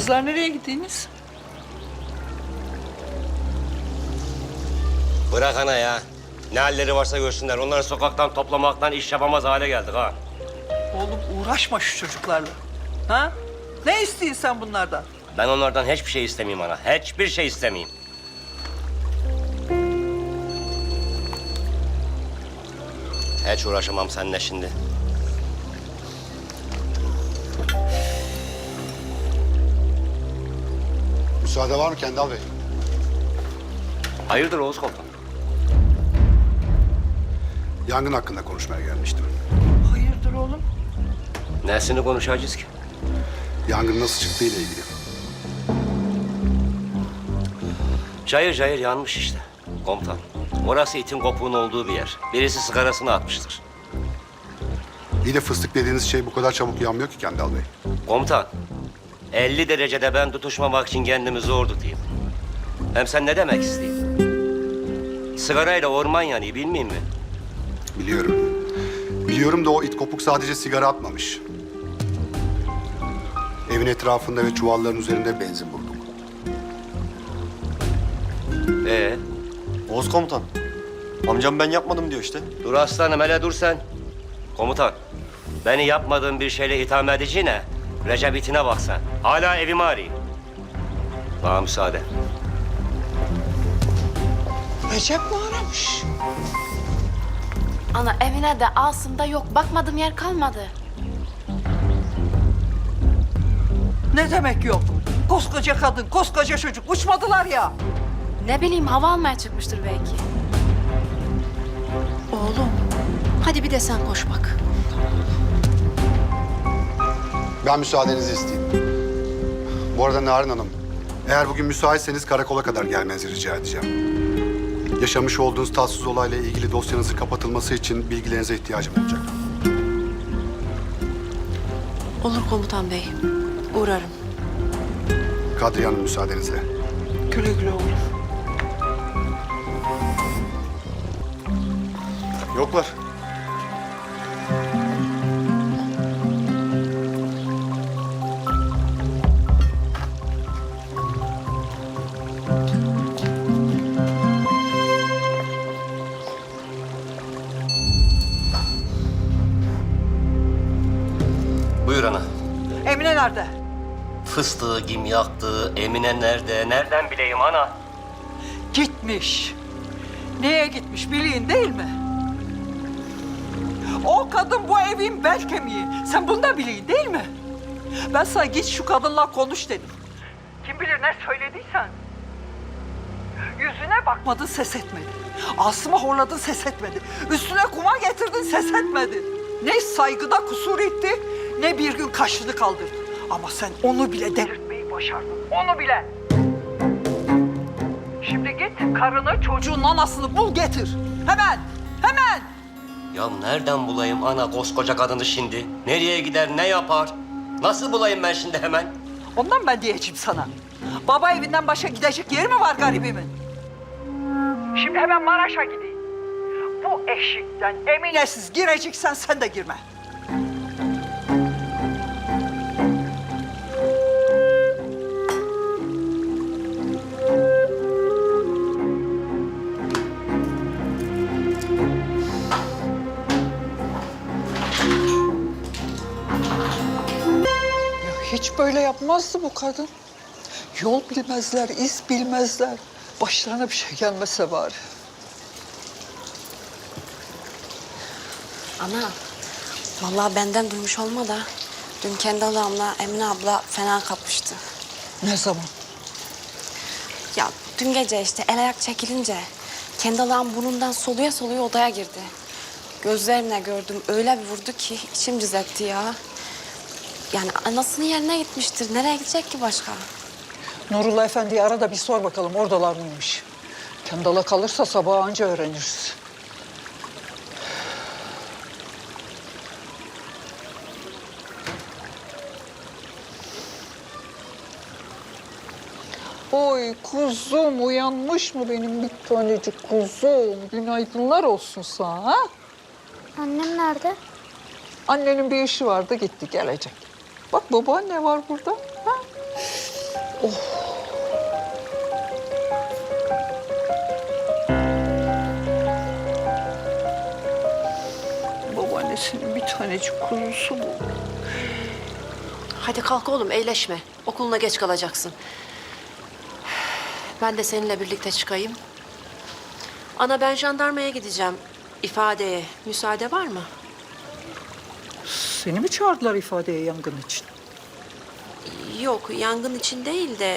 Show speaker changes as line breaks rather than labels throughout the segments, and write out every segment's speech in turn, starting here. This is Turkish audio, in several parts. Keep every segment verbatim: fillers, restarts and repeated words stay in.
Kızlar nereye gittiniz?
Bırak ana ya. Ne halleri varsa görsünler. Onları sokaktan toplamaktan iş yapamaz hale geldik ha.
Oğlum uğraşma şu çocuklarla. Ha? Ne istiyorsun sen bunlardan?
Ben onlardan hiçbir şey istemeyeyim ana. Hiçbir şey istemeyeyim. Hiç uğraşamam seninle şimdi.
Müsaade var mı Kendal Bey?
Hayırdır Oğuz Komutan?
Yangın hakkında konuşmaya gelmiştim.
Hayırdır oğlum?
Nesini konuşacağız ki?
Yangın nasıl çıktığı ile ilgili.
Cayır cayır yanmış işte. Komutan. Orası itin kopuğun olduğu bir yer. Birisi sigarasını atmıştır.
İyi de fıstık dediğiniz şey bu kadar çabuk yanmıyor ki Kendal Bey.
Komutan. elli derecede ben tutuşmamak için kendimi zor tutayım. Hem sen ne demek istiyorsun? Sigarayla orman yanıyor bilmeyeyim mi?
Biliyorum. Biliyorum da o it kopuk sadece sigara atmamış. Evin etrafında ve çuvalların üzerinde benzin bulduk.
Ee,
Oğuz komutan. Amcam ben yapmadım diyor işte.
dur aslanım hele dur sen. Komutan. Beni yapmadığım bir şeyle itham edeceğine Recep itine bak sen. Hala evimi arayayım. Bana müsaade.
Recep mi aramış?
Ana evine de Asım'da yok. Bakmadım yer kalmadı.
Ne demek yok? Koskoca kadın, koskoca çocuk uçmadılar ya.
Ne bileyim hava almaya çıkmıştır belki.
Oğlum, hadi bir de sen koş bak.
Ben müsaadenizi isteyeyim. Bu arada Narin Hanım, eğer bugün müsaitseniz karakola kadar gelmenizi rica edeceğim. Yaşamış olduğunuz tatsız olayla ilgili dosyanızın kapatılması için bilgilerinize ihtiyacım olacak.
Olur komutan bey, uğrarım.
Kadriye Hanım müsaadenizle.
Güle güle oğlum.
Yoklar.
Buyur ana.
Emine nerede?
Fıstığı kim yaktı, Emine nerede, nereden bileyim ana?
Gitmiş. Neye gitmiş bilin değil mi? O kadın bu evin bel kemiği. Sen bunu da bilin değil mi? Ben sana git şu kadınla konuş dedim. Kim bilir ne söylediysen. Yüzüne bakmadın ses etmedi. Aslıma horladın ses etmedi. Üstüne kuma getirdin ses etmedi. Ne saygıda kusur etti ne bir gün kaşını kaldırdı. Ama sen onu bile delirtmeyi başardın. Onu bile. Şimdi git karını çocuğun anasını bul getir. Hemen. Hemen.
Ya nereden bulayım ana koskoca kadını şimdi? Nereye gider, ne yapar? Nasıl bulayım ben şimdi hemen?
Ondan ben diyeceğim sana. Baba evinden başka gidecek yeri mi var garibimin? Şimdi hemen Maraş'a gideyim. Bu eşikten eminesiz gireceksen sen de girme. Ya hiç böyle yapmazdı bu kadın. Yol bilmezler, iz bilmezler. Başlarına bir şey gelmese bari.
Ana, vallahi benden duymuş olma da dün kendi adamla Emine abla fena kapıştı.
Ne zaman?
Ya dün gece işte el ayak çekilince kendi Allah'ın burnundan soluya soluya odaya girdi. Gözlerimle gördüm öyle bir vurdu ki içim cız ya. Yani anasının yerine gitmiştir. Nereye gidecek ki başka?
Nurullah Efendi'yi ara da bir sor bakalım oradalar mıymış. Kendala kalırsa sabah anca öğreniriz. Oy kuzum uyanmış mı benim bir tanecik kuzum? Günaydınlar olsun sana. Ha?
Annem nerede?
Annenin bir işi vardı gitti gelecek. Bak babaanne var burada. Ha? Babaannesinin bir tanecik kuzusu bu.
Hadi kalk oğlum, eğleşme. Okuluna geç kalacaksın. Ben de seninle birlikte çıkayım. Ana, ben jandarmaya gideceğim. İfadeye müsaade var mı?
Seni mi çağırdılar ifadeye yangın için?
Yok, yangın için değil de...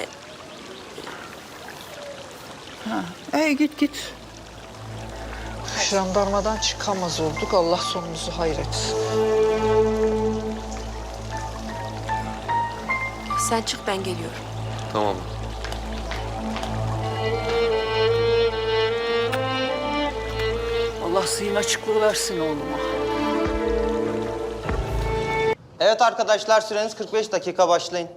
Ey git git. Jandarmadan çıkamaz olduk. Allah sonumuzu hayretsin.
Sen çık, ben geliyorum.
Tamam.
Allah zihin açıklığı versin oğluma.
Evet arkadaşlar, süreniz kırk beş dakika, başlayın.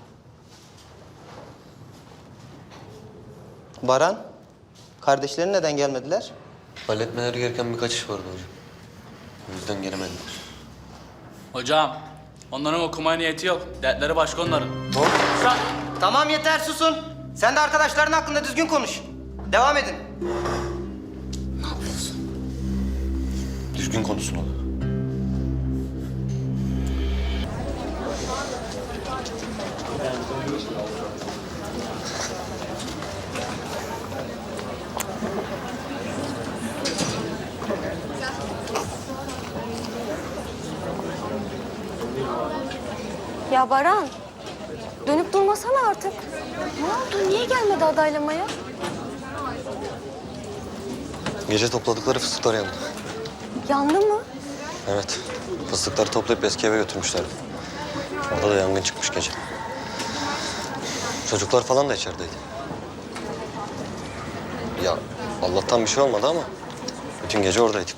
Baran, kardeşlerin neden gelmediler?
Halletmeleri gereken birkaç iş vardı hocam. O yüzden gelemediler.
Hocam, onların okuma niyeti yok. Dertleri başka onların.
Sa- tamam yeter, susun. Sen de arkadaşların hakkında düzgün konuş. Devam edin.
Düzgün konuşsun oğlum.
Ya Baran, dönüp durmasana artık. Ne oldu? Niye gelmedi adaylamaya?
Gece topladıkları fıstıklar yandı.
Yandı mı?
Evet. Fıstıkları toplayıp eski eve götürmüşlerdi. Orada da yangın çıkmış gece. Çocuklar falan da içerideydi. Ya Allah'tan bir şey olmadı ama bütün gece oradaydık.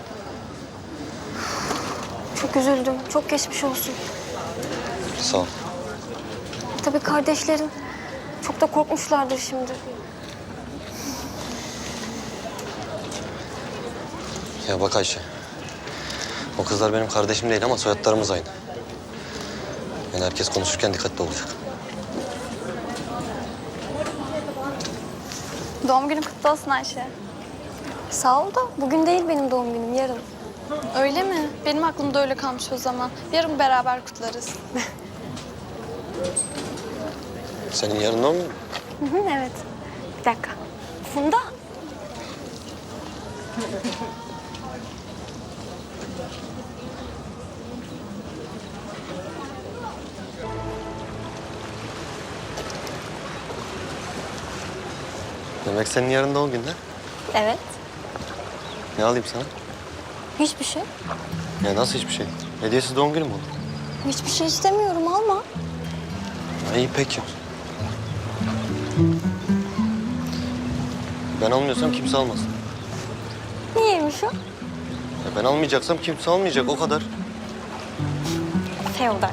Çok üzüldüm. Çok geçmiş olsun.
Sağ ol.
Tabii kardeşlerin çok da korkmuşlardır şimdi.
Ya bak Ayşe. O kızlar benim kardeşim değil ama soyadlarımız aynı. Yani herkes konuşurken dikkatli olacak.
Doğum günün kutlu olsun Ayşe. Sağ ol da bugün değil benim doğum günüm, yarın.
Öyle mi? Benim aklımda öyle kalmış o zaman. Yarın beraber kutlarız.
Senin yarın doğum günün mü?
Hı hı, evet. Bir dakika. Funda.
Demek senin yarın doğum günün ha?
Evet.
Ne alayım sana?
Hiçbir şey.
Ya nasıl hiçbir şey? Hediyesiz doğum günü mü olur?
Hiçbir şey istemiyorum, alma.
Ha, iyi peki. Ben almıyorsam kimse almasın.
Niyeymiş o?
Ya ben almayacaksam kimse almayacak, o kadar.
Feodal.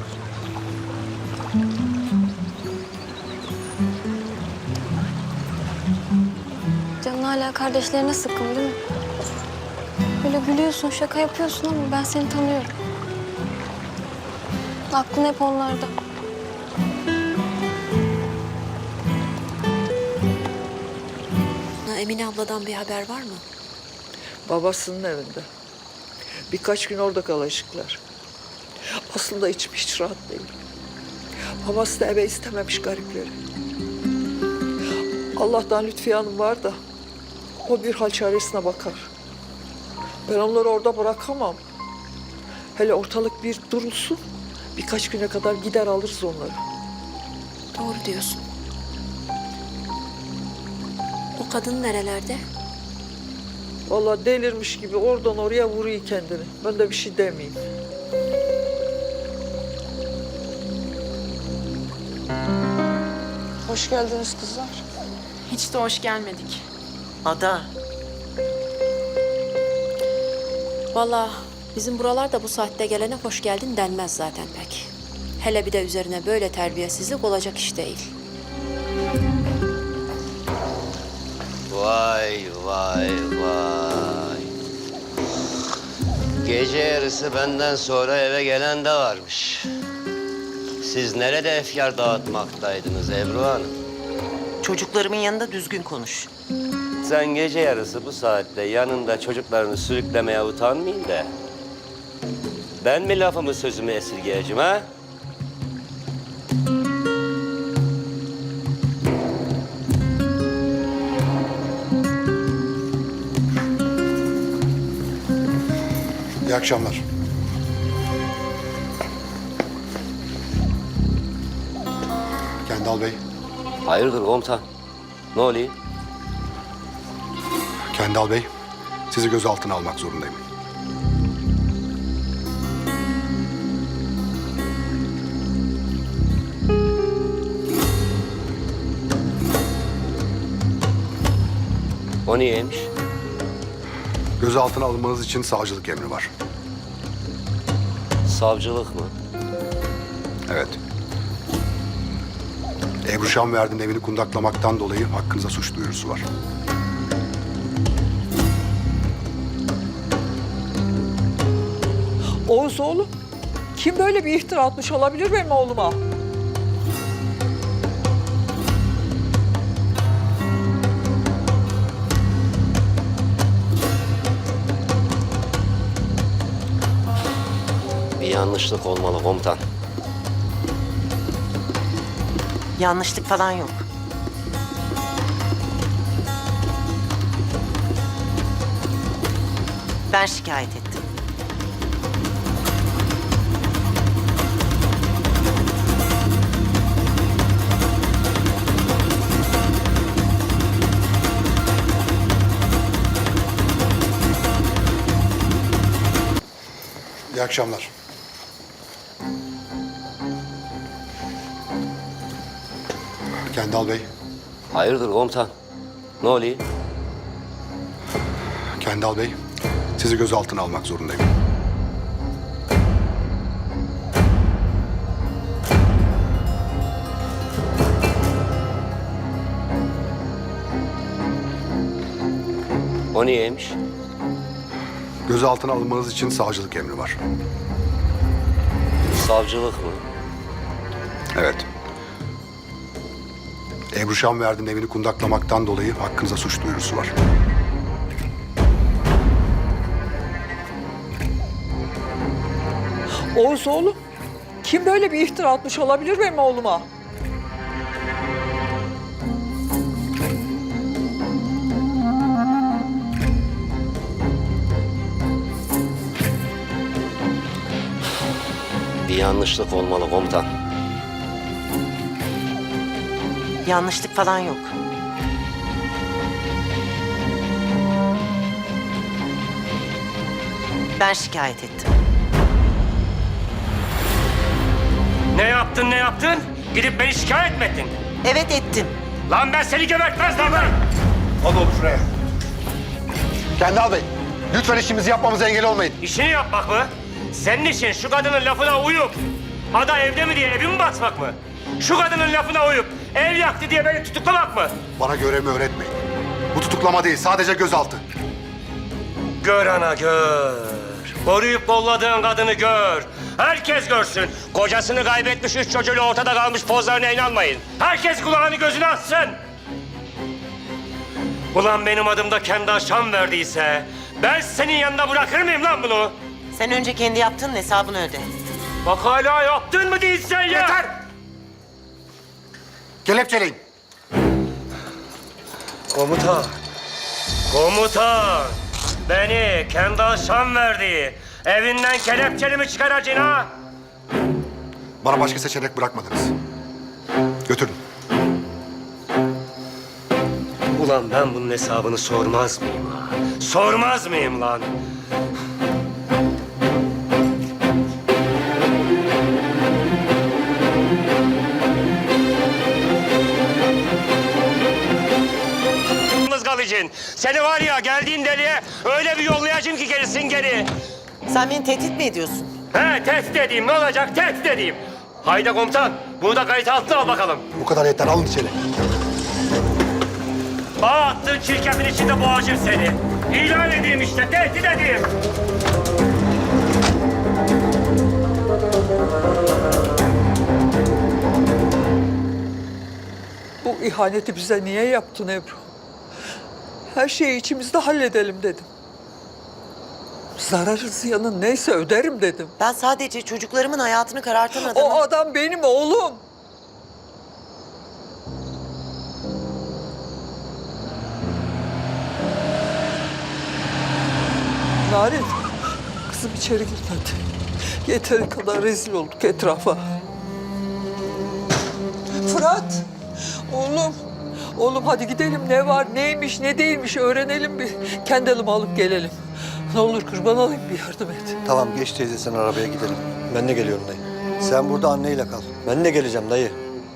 Canın hala kardeşlerine sıkkın değil mi? Böyle gülüyorsun, şaka yapıyorsun ama ben seni tanıyorum. Aklın hep onlarda.
Emine abladan bir haber var mı?
Babasının evinde. Birkaç gün orada kalacaklar. Aslında içim hiç rahat değil. Babası da eve istememiş garipleri. Allah'tan Lütfiye Hanım var da o bir hal çaresine bakar. Ben onları orada bırakamam. Hele ortalık bir durulsun. Birkaç güne kadar gider alırız onları.
Doğru diyorsun. O kadın nerelerde?
Vallahi delirmiş gibi oradan oraya vuruyor kendini. Ben de bir şey demeyeyim.
Hoş geldiniz kızlar.
Hiç de hoş gelmedik.
Ada.
Vallahi bizim buralarda bu saatte gelene hoş geldin denmez zaten pek. Hele bir de üzerine böyle terbiyesizlik olacak iş değil.
Vay vay vay. Gece yarısı benden sonra eve gelen de varmış. Siz nerede efkar dağıtmaktaydınız Ebru Hanım?
Çocuklarımın yanında düzgün konuş.
Sen gece yarısı bu saatte yanında çocuklarını sürüklemeye utanmayın da. Ben mi lafımı sözümü esirgeyeceğim ha?
İyi akşamlar. Kendal Bey,
Hayırdır komutan? Ne oluyor?
Kendal Bey, sizi gözaltına almak zorundayım.
O niyeymiş?
Gözaltına alınmanız için savcılık emri var.
Savcılık mı?
Evet. Ebru Şanverdi'nin evini kundaklamaktan dolayı hakkınıza suç duyurusu var.
Oğuz oğlum, kim böyle bir iftira atmış olabilir benim oğluma?
Bir yanlışlık olmalı komutan.
Yanlışlık falan yok. Ben şikayet ettim.
İyi akşamlar. Kendal Bey,
Hayırdır komutan? Ne oluyor?
Kendal Bey, sizi gözaltına almak zorundayım.
O niyeymiş?
Gözaltına alınmanız için savcılık emri var.
Savcılık mı?
Evet. Ebru Şanverdi'nin evini kundaklamaktan dolayı hakkınıza suç duyurusu var.
Oğuz oğlum, kim böyle bir iftira atmış olabilir benim oğluma?
Bir yanlışlık olmalı komutan.
Yanlışlık falan yok. Ben şikayet ettim.
Ne yaptın ne yaptın? Gidip beni şikayet mi ettin?
Evet ettim.
Lan ben seni gebertmezdim lan!
Al oğlum şuraya. Kendal Bey, lütfen işimizi yapmamıza engel olmayın.
İşini yapmak mı? Senin için şu kadının lafına uyup ada evde mi diye evi mi basmak mı? Şu kadının lafına uyup ev yaktı diye beni tutuklamak mı?
Bana görevimi öğretmeyin. Bu tutuklama değil, sadece gözaltı.
Gör ana gör. Koruyup kolladığın kadını gör. Herkes görsün. Kocasını kaybetmiş üç çocuğuyla ortada kalmış pozlarına inanmayın. Herkes kulağını gözüne açsın. Ulan benim adımda kendi aşam verdiyse ben senin yanında bırakır mıyım lan bunu?
Sen önce kendi yaptığının hesabını öde.
Bak hala yaptın mı değilsen ya?
Yeter! Kelepçeleyin.
Komutan. Komutan. Beni kendi aşam verdi. Evinden kelepçeli mi çıkaracaksın ha?
Bana başka seçenek bırakmadınız. Götürün.
Ulan ben bunun hesabını sormaz mıyım ha? Sormaz mıyım lan? Kalıcın. Seni var ya geldiğin deliğe öyle bir yollayacaksın ki gerisin geri.
Sen beni tehdit mi ediyorsun?
He tehdit edeyim ne olacak tehdit edeyim. Haydi komutan bunu da kayıt altına al bakalım.
Bu kadar yeter, alın içeri.
Bağ attığın çirkefin içinde boğacağım seni. İlan edeyim işte tehdit edeyim.
ihaneti bize niye yaptın Ebru? Her şeyi içimizde halledelim dedim. Zararı ziyanın neyse öderim dedim.
Ben sadece çocuklarımın hayatını karartan adamım.
O adam benim oğlum. Narin, kızım içeri gir hadi. Yeteri kadar rezil olduk etrafa. Fırat, oğlum. Oğlum hadi gidelim. Ne var, neymiş, ne değilmiş öğrenelim bir. Kendalımı alıp gelelim. Ne olur kurban olayım bir yardım et.
Tamam geç teyze sen arabaya gidelim.
Ben de geliyorum dayı.
Sen burada anneyle kal.
Ben de geleceğim dayı.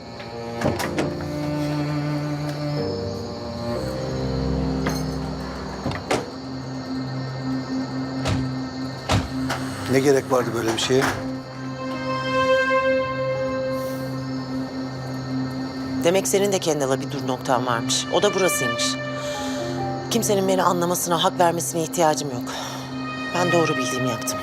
Ne gerek vardı böyle bir şeye?
Demek senin de Kendall'a bir dur noktan varmış. O da burasıymış. Kimsenin beni anlamasına, hak vermesine ihtiyacım yok. Ben doğru bildiğimi yaptım.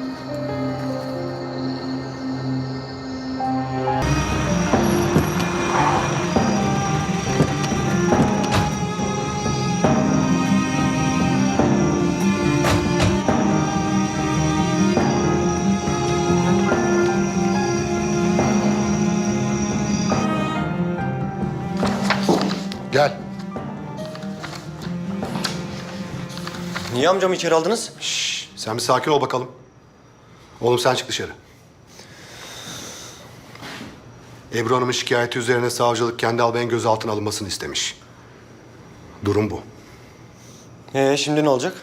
Gel.
Niye amcamı içeri aldınız?
Şş, sen bir sakin ol bakalım. Oğlum sen çık dışarı. Ebru Hanım'ın şikayeti üzerine savcılık Kendal Bey'in gözaltına alınmasını istemiş. Durum bu.
Ee şimdi ne olacak?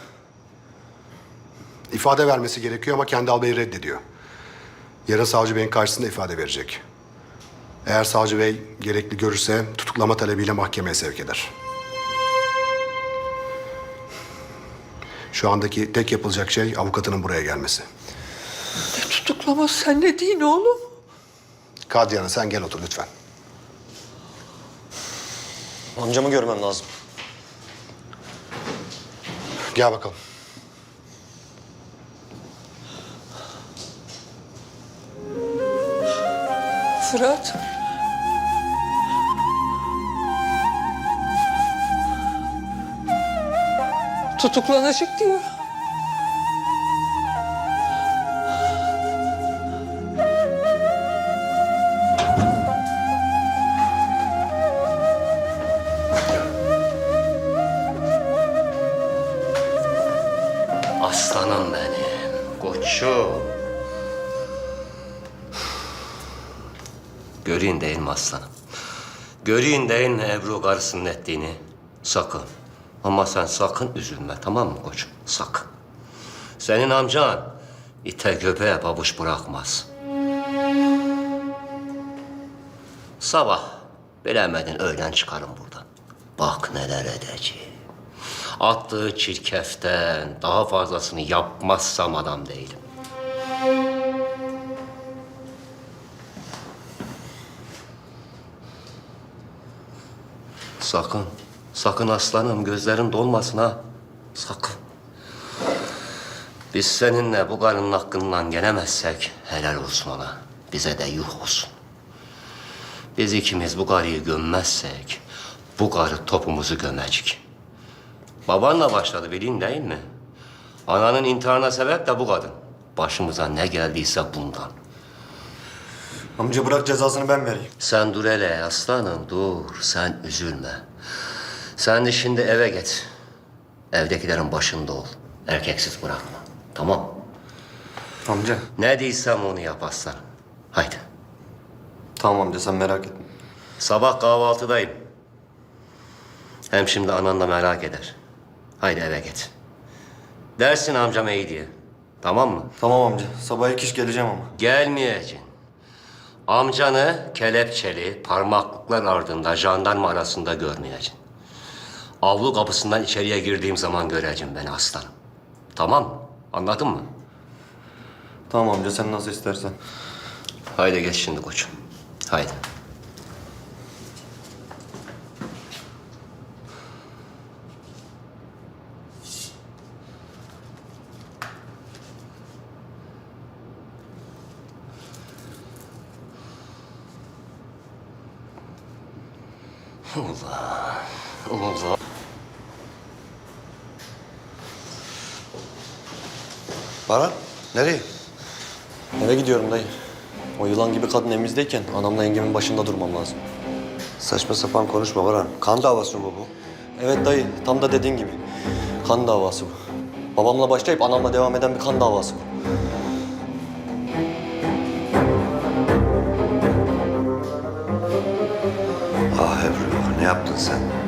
İfade vermesi gerekiyor ama Kendal Bey reddediyor. Yarın savcı beyin karşısında ifade verecek. Eğer savcı bey gerekli görürse tutuklama talebiyle mahkemeye sevk eder. Şu andaki tek yapılacak şey avukatının buraya gelmesi.
Ne tutuklaması, sen ne diyorsun oğlum?
Kadriye sen gel otur lütfen.
Amcamı görmem lazım.
Gel bakalım.
Fırat. Tutuklanacak diyor.
Aslanım benim, koçum. Göreyim değil mi aslanım? Göreyim değil mi Ebru karısının ettiğini? Sakın. Ama sen sakın üzülme, tamam mı koçum? Sakın. Senin amcan ite göbeğe babuş bırakmaz. Sabah bilemedin öğlen çıkarım buradan. Bak neler edeceğim. Attığı çirkeften daha fazlasını yapmazsam adam değilim. Sakın, sakın aslanım gözlerin dolmasın ha. Sakın. Biz seninle bu karının hakkından gelemezsek helal olsun ona. Bize de yuh olsun. Biz ikimiz bu karıyı gömmezsek bu karı topumuzu gömecek. Babanla başladı bilin değil mi? Ananın intiharına sebep de bu kadın. Başımıza ne geldiyse bundan.
Amca bırak cezasını ben vereyim.
Sen dur hele aslanım dur. Sen üzülme. Sen de şimdi eve git. Evdekilerin başında ol. Erkeksiz bırakma. Tamam.
Amca.
Ne diysem onu yap aslanım. Haydi.
Tamam amca sen merak etme.
Sabah kahvaltıdayım. Hem şimdi anan da merak eder. Haydi eve git. Dersin amcam iyi diye. Tamam mı?
Tamam amca. Sabah ilk iş geleceğim ama.
Gelmeyeceksin. Amcanı kelepçeli parmaklıklar ardında jandarma arasında görmeyeceksin. Avlu kapısından içeriye girdiğim zaman göreceğim beni aslanım. Tamam mı? Anladın mı?
Tamam amca sen nasıl istersen.
Haydi geç şimdi koçum. Haydi. Allah. Allah.
Baran, nereye?
Eve gidiyorum dayı. O yılan gibi kadın evimizdeyken anamla yengemin başında durmam lazım.
Saçma sapan konuşma Baran. Kan davası mı bu?
Evet dayı, tam da dediğin gibi. Kan davası bu. Babamla başlayıp anamla devam eden bir kan davası bu.
Ah Ebru, ne yaptın sen?